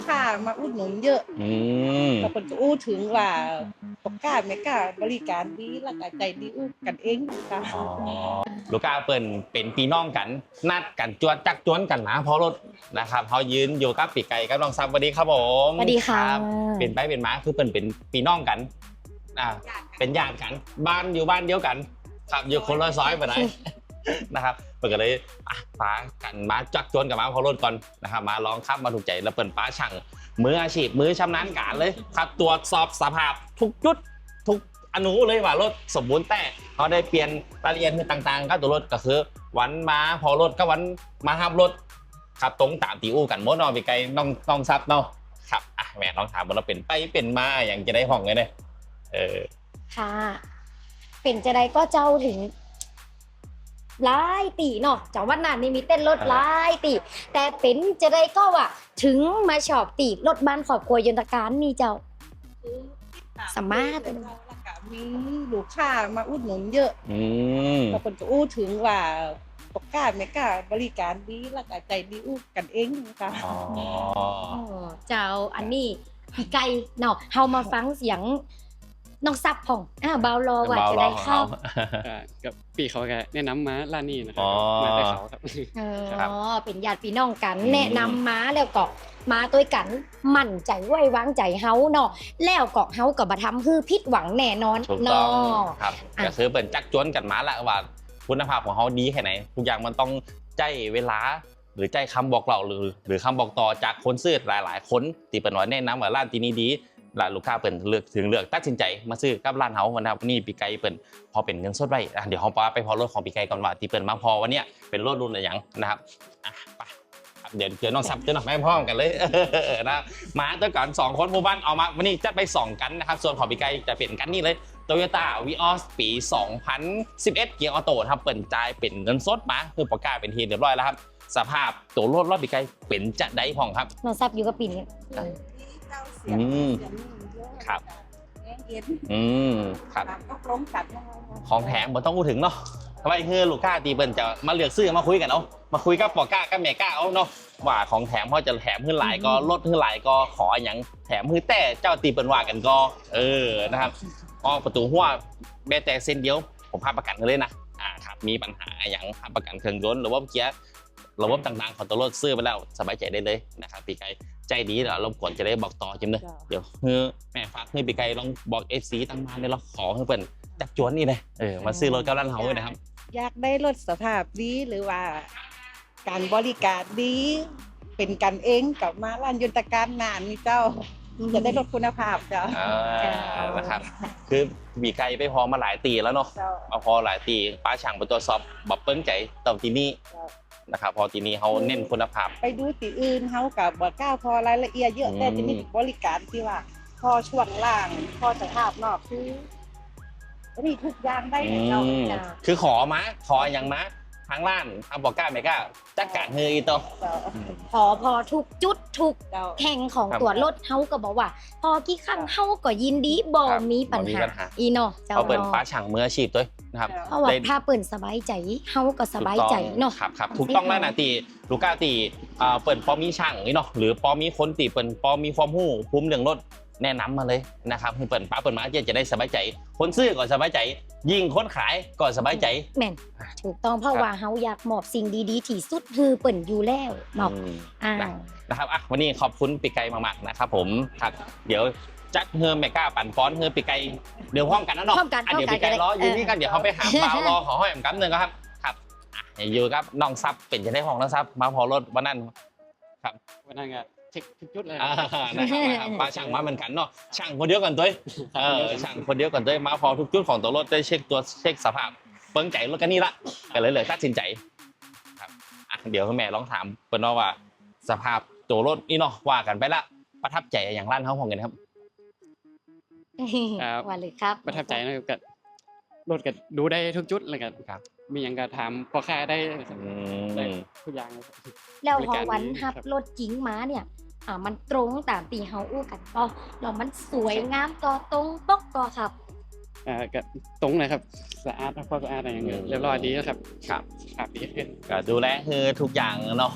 ค้ามาอุดหนุนเยอะแต่คนก็อู้ถึงว่าปกล้าไม่กล้าบริการดีแล้วก็ใจดีอู้กันเองค่ะลูกค้าเปิ่นเป็นพี่น้องกันนัดกันจวดจักจวนกันนะเพราะรถนะครับเขายืนอยู่กับปีไก่กับน้องซับสวัสดีครับผมสวัสดีค่ะเป็นไปเป็นมาคือเปิ่นเป็นพี่น้องกันเป็นญาติกันบ้านอยู่บ้านเดียวกันครับอยู่คนละซอยไปไหนนะครับเปิ่นก็เลยปากันมาจักจวนกับมาเพราะรถก่อนนะครับมาลองขับมาถูกใจแล้วเปิ่นป้าช่างมืออาชีพมือชำนาญการเลยครับตรวจสอบสภาพทุกจุดทุกอนุเลยว่ารถสมบูรณ์แต่เขาได้เปลี่ยนรายละเอียดต่างๆก็ตัวรถก็คือวันมาพอรถก็วันมาห้ามรถครับตรงตามตีอู้กันหมดเนาะพี่ไก่น้องซับเนาะครับแม่ลองถามว่าเราเป็นไปเป็นมาอย่างจะได้ห้องไงเนี่ยค่ะเป็นจะได้ก็เจ้าถึงหลายตีเนาะจากวันนั้นนี่มีเต้นรถหลายตีแต่เป็นจะได้ก็ว่าถึงมาชอบตีรถบ้านครอบครัวยนตการนี่เจ้าสามารถมีลูกค้ามาอุดหนุนเยอะแต่คนก็อู้ถึงว่าปกล้าไม่กล้าบริการดีแล้วก็ใจดีอู้กันเองค่ะเจ้าอันนี้พี่ไก่เนาะเฮามาฟังเสียงน้องซับของเบารอว่าจะได้เข้ากับพี่เขาก็แนะนำมาร้านนี้นะครับมาได้เขาครับเป็นญาติพี่น้องกันแนะนำมาแล้วก็มาด้วยกันมั่นใจไว้วางใจเฮาเนาะแล้วก็เฮาก็บ่ทำคือผิดหวังแน่นอนเนาะครับก็คือเป็นจักจวนกันมาละว่าคุณภาพของเฮาดีแค่ไหนทุกอย่างมันต้องใจเวลาหรือใจคำบอกเล่าหรือคำบอกต่อจากคนซื้อหลายๆคนที่เป็นว่าแนะนำว่าร้านที่นี้ดีร้านลูกค้าเปิ่นเลือกตัดสินใจมาซื้อกับร้านเฮาวันนี้ปีไก่เปิ่นพอเป็นเงินสดไว้เดี๋ยวเฮาไปพอรถของปีไก่ก่อนว่าที่เปิ่นมาพอวันนี้เป็นรถรุ่นอะไรอย่างนะครับไปเดี๋ยวน้องซับเจอหน่อยไม่พร้อมกันเลยนะมาตัวก่อน2คนหมู่บ้านเอามาวันนี้จัดไป2กันนะครับส่วนของปีไก่จะเป็นกันนี่เลย Toyota Vios ปี2011เกียร์ออโต้ครับเปิ่นจ่ายเป็นเงินสดมาคือประกาศเป็นทีเรียบร้อยแล้วครับสภาพตัวรถปีไก่เป็นจะได้พองครับน้องซับอยู่กับปีนี้ครับครับของแถมบ่ต้องพูดถึงเนาะทำไมคือลูกค้าตีเปิ้ลจะมาเลือกซื้อมาคุยกันเอามาคุยกับปอก้ากับแม่ก้าเอาเนาะว่าของแถมเขาจะแถมขึ้นหลายก็ลดขึ้นหลายก็ขออย่างแถมคือแต่เจ้าตีเปิ้ลว่ากันก็นะครับก็ประตูหัวแม้แต่เส้นเดียวผมพาประกันกันเลยนะครับมีปัญหาอย่างพาประกันเครื่องยนต์หรือว่าเกียร์ระบบต่างๆของตัวรถซื้อไปแล้วสบายใจได้เลยนะครับปีไก่ใจดีเดี๋ยวรบกวนจะได้บอกต่อจิ้มเลยเดี๋ยวแม่ฝากให้ปีไก่ลองบอกFCตั้งมาเนี่ยเราขอให้เปิ้ลจักจวนนี่เลยมาซื้อรถกับร้านเฮาเลยนะครับอยากได้รถสภาพดีหรือว่าการบริการดีเป็นกันเองกับมาร้านยนตการนานนี่เจ้าจะได้รถคุณภาพเจ้านะครับคือปีไก่ไปพอมาหลายตีแล้วเนาะมาพอหลายตีป้าช่างไปตรวจสอบบับเปิ้ลใจตอนที่นี่นะครับพอทีนี้เขาเน้นคุณภาพไปดูตีอื่นเขากับบ่กล้าพอรายละเอียดเยอะแต่ที่นี่บริการที่ว่าพอช่วงล่างพอสภาพนอกคือนี่ทุกอย่างได้เราคือขออย่างมาทางร้านบอกกล้าไม่กล้าจัดการเฮยตัวพอทุกจุดทุกแห่งของตัวรถเฮาก็บอกว่าพอกี่ครั้งเฮาก็ยินดีบ่มีปัญหาอีเนาะเขาเปิดป้าช่างมืออาชีพด้วยนะครับเพราะว่าถ้าเปิดสบายใจเฮาก็สบายใจเนาะครับถูกต้องแล้วนะตีลูกค้าตีเปิดพอมีช่างนี่เนาะหรือพอมีคนตีเปิดพอมีความรู้ภูมิเรื่องรถแนะนำมาเลยนะครับให้เปิดป้าเปิดมาจะได้สบายใจคนซื้อก็สบายใจยิ่งคนขายก็สบายใจแม่นถูกต้องเพราะว่าเฮาอยากมอบสิ่งดีๆที่สุดคือเปิ่นอยู่แล้วเนาะนะครับวันนี้ขอบคุณปีไก่มากๆนะครับผมครับเดี๋ยวจักเฮือแม่ก้าปั่นฟ้อนเฮือปีไก่เดี๋ยวพร้อมกันนะเนาะเดี๋ยวปีไก่รออยู่นี่กันเดี๋ยวเขาไปหาบ่าวรอขอห้อยกันหนึ่งครับอยู่ครับน้องซับเป็นจะได้ห้องน้องซับมาพอรถวันนั้นครับวันนั้นก็เช็คทุกจุดเลยนะครับป้าช่างมาเหมือนกันเนาะช่างคนเดียวกันด้วยช่างคนเดียวกันด้วยมาพอทุกจุดของตัวรถได้เช็คสภาพเปิ้งใจรถกันนี่ละกันเลยตัดสินใจครับเดี๋ยวแม่ลองถามเปิ้ลว่าสภาพตัวรถนี่เนาะว่ากันไปละประทับใจอย่างร้านเฮาของกันครับว่าเลยครับประทับใจนะครับกับรถกันดูได้ทุกจุดเลยกันมีอย่างการถามพอค่าได้ทุกอย่างแล้วพอวันฮับรถจริงมาเนี่ยมันตรงตามตีเฮาอู้กันก็แล้วมันสวยงามก็ตรงปกก็ครับก็ตรงเลยครับสะอาดพอสะอาดอะไรอย่างเงี้ยเรียบร้อยดีแล้วครับครับดีขึ้นก็ดูแลคือทุกอย่างเนาะ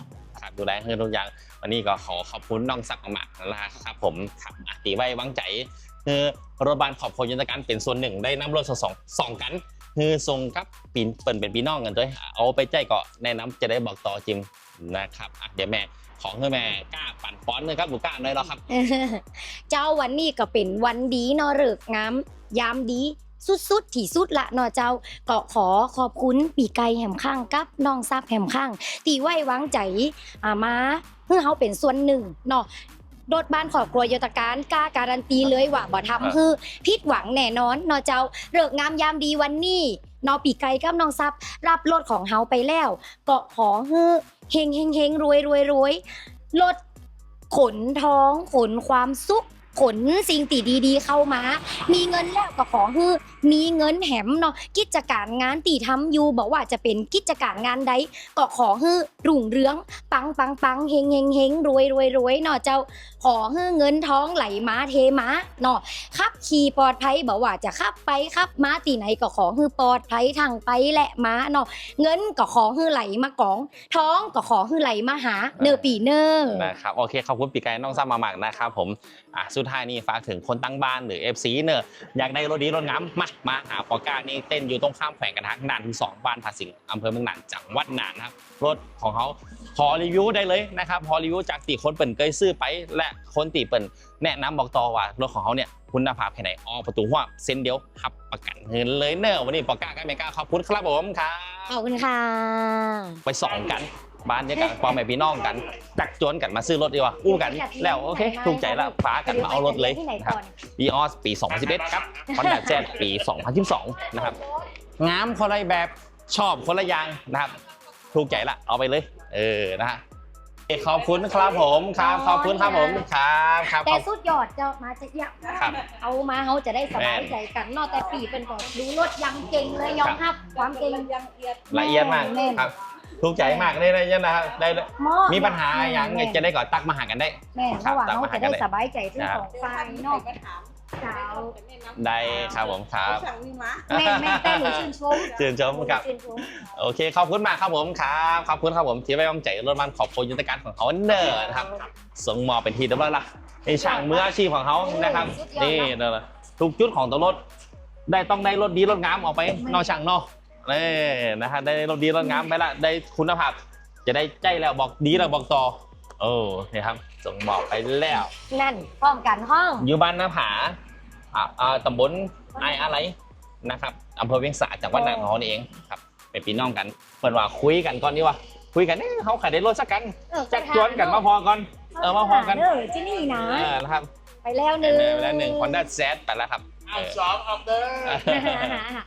ดูแลให้ทุกอย่างวันนี้ก็ขอขอบคุณน้องซักมากๆนะครับผมครับตีไว้วางใจคือรถบัสขอบคุณยุทธการเป็นส่วนหนึ่งได้นำรถสองกันคือส่งกับปีเปิ่นเป็นพี่น้องกันด้วยเอาไปใจก็แนะนำจะได้บอกต่อจิมนะครับเดี๋ยวแม่ของให้แม่กล้าปั่นป้อนเลยครับหนูกล้าเลยแล้วครับเจ้าวันนี้ก็เป็นวันดีเนาะฤกษ์งามยามดีสุดๆที่สุดละเนาะเจ้าก็ขอขอบคุณปีไก่แหมข้างกับน้องซักแหมข้างตีไว้วางใจมาเพื่อเขาเป็นส่วนหนึ่งเนาะรถบ้านครอบครัวโยธการกล้าการันตีเลยว่าบ่ทำคือผิดหวังแน่นอนเนาะเจ้าฤกษ์งามยามดีวันนี้เนาะปีไก่กับน้องซับรับรถของเฮาไปแล้วก็ขอฮือเฮงเฮงเฮงรวยรวยรวยรถขนท้องขนความสุขขนสิ่งตีดีๆเข้ามามีเงินแล้วก็ขอฮือมีเงินแหมเนาะกิจการงานตีทำอยู่บอกว่าจะเป็นกิจการงานใดก็ขอฮือรุ่งเรืองปังปังปังเฮงเฮงเฮงรวยรวยรวยเนาะเจ้าขอฮือเงินท้องไหลมาเทมาเนาะขับขี่ปลอดภัยบอกว่าจะขับไปขับมาตีไหนก็ขอฮือปลอดภัยทางไปและมาเนาะเงินก็ขอฮือไหลมากองท้องก็ขอฮือไหลมาหาเนอปีเนอนะครับโอเคขอบคุณปีไก่น้องซ้ำมามากนะครับผมสุดท้ายนี้ฝากถึงคนตั้งบ้านหรือ FC เนอะอยากได้รถดีรถงามมาหาปอก้านี่เต้นอยู่ตรงข้ามแขวงกันทางน่านที่2บ้านผาสิงอำเภอเมืองน่านจังหวัดน่านนะครับรถของเขาพอรีวิวได้เลยนะครับพอรีวิวจากตีคนเปิ่นเคยซื้อไปและคนตีเปิ่นแนะนำบอกต่อว่ารถของเขาเนี่ยคุณภาพแค่ไหนประตูหัวเส้นเดียวขับประกันเงินเลยเนอะวันนี้ปอก้ากับเมก้าขอบคุณครับผมครับขอบคุณค่ะไปสอนกันบ้านเดียวกันพ่อแม่พี่น้องกันจักจวนกันมาซื้อรถดีกว่าอู้กันแล้วโอเคถูกใจแล้วฟ้ากันมาเอารถเลยครับวีออสปี 2011 ครับฮอนด้าแจ๊สปี 2012 นะครับงามคนละแบบชอบคนละอย่างนะครับถูกใจละเอาไปเลยนะฮะขอบคุณครับผมครับขอบคุณครับผมครับแต่สุดยอดจะมาจะอยากเอามาเขาจะได้สบายใจกันนอกแต่ปีเป็นก่อนดูรถยังเก่งเลยยอมรับความเก่งยังละเอียดมากครับถูกใจมากได้เลยนะครับได้มีปัญหาอย่างจะได้ก่อตักมาหากันได้แม่เพราะว่าเขาจะได้สบายใจทั้งสองฝ่ายเนาะได้ครับผมครับแม่แต่หนูชื่นชมครับโอเคขอบคุณมากครับผมครับขอบคุณครับผมที่ไว้วางใจรถมันขอบคุณยุทธการของเขาเนอร์นะครับส่งมอบเป็นทีเดียวละในช่างมืออาชีพของเขานะครับนี่นะทุกจุดของตัวรถต้องได้รถดีรถงามออกไปนอกช่างนอกนะฮะได้รถดีรถงามไปละได้คุณภาพจะได้ใจแล้วบอกดีแล้วบอกต่อนี่ครับส่งบอกไปแล้วนั่นพร้อมกันห้องอยู่บ้านนาผาตำบลอะไรนะครับอำเภอเวียงสาจังหวัดน่านของเราเองครับเป็นพี่น้องกันเปิดว่าคุยกันก่อนดีว่าคุยกันเขาขายได้รถสักกันจักจวนกันมาพอก่อนมาพอกันที่นี่นะนะครับไปแล้วหนึ่งฮอนด้าแซดไปแล้วครับ 2ออกเด้อ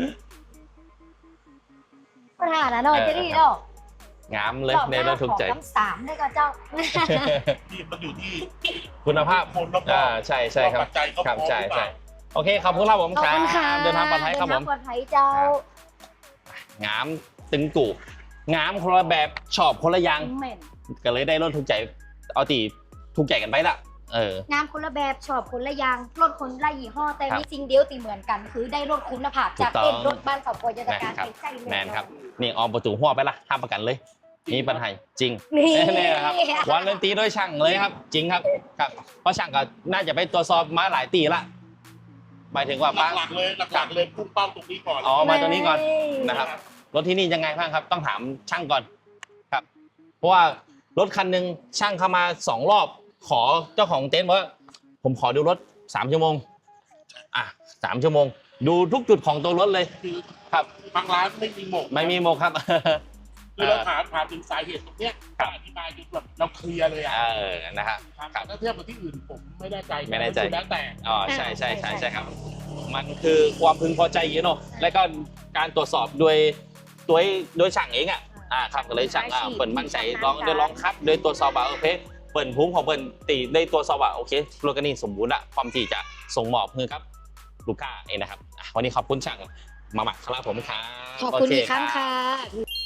ปัญหานะเนาะจะดีเนาะงามเลยในรถถูกใจ 3ได้ก็เจ้าที่มันอยู่ที่คุณภาพใช่ครับครับใช่โอเคขอบคุณครับผมครับเดินทางปลอดภัยครับผมปลอดภัยเจ้างามตึงกูงามคนละแบบชอบคนละอย่างก็เลยได้รถถูกใจเอาตีถูกใจกันไปละงามคนละแบบชอบคนละอย่างรถคนละยี่ห้อแต่มีสิ่งเดียวตีเหมือนกันคือได้รถคุณภาพจากเป็นรถบ้านครอบครัวโยธการใช้แมนครับนี่ออมประตูหัวไปละห้ามประกันเลยมีปัญหาจริงนี่ครับวันเล่นตีด้วยช่างเลยครับจริงครับเพราะช่างก็น่าจะไปตรวจสอบมาหลายตีละหมายถึงว่าหลักเลยพุ่งเป้าตรงนี้ก่อนมาตรงนี้ก่อนนะครับรถที่นี่ยังไงบ้างครับต้องถามช่างก่อนครับเพราะว่ารถคันหนึ่งช่างเข้ามา2 รอบขอเจ้าของเต็นท์ว่าผมขอดูรถ3 ชั่วโมง3 ชั่วโมงดูทุกจุดของตัวรถเลยครับบางร้านไม่มีหมกครับคือเราถามถึงสาเหตุตรงนี้อธิบายจนแบบเราเคลียร์เลยนะครับถ้าเทียบกับที่อื่นผมไม่แน่ใจแล้วแต่ใช่ครับมันคือความพึงพอใจเนาะและก็การตรวจสอบโดยช่างเองครับก็เลยช่างเปิดมั่นใจลองคัดโดยตรวจสอบโอเคเปิดภูมิของเปิดตีได้ตรวจสอบโอเครถคันนี้สมบูรณ์ละความที่จะส่งมอบคือครับลูกค้าเองนะครับวันนี้ขอบคุณช่างมาหมักครับผมครับขอบคุณอีกครั้งค่ะ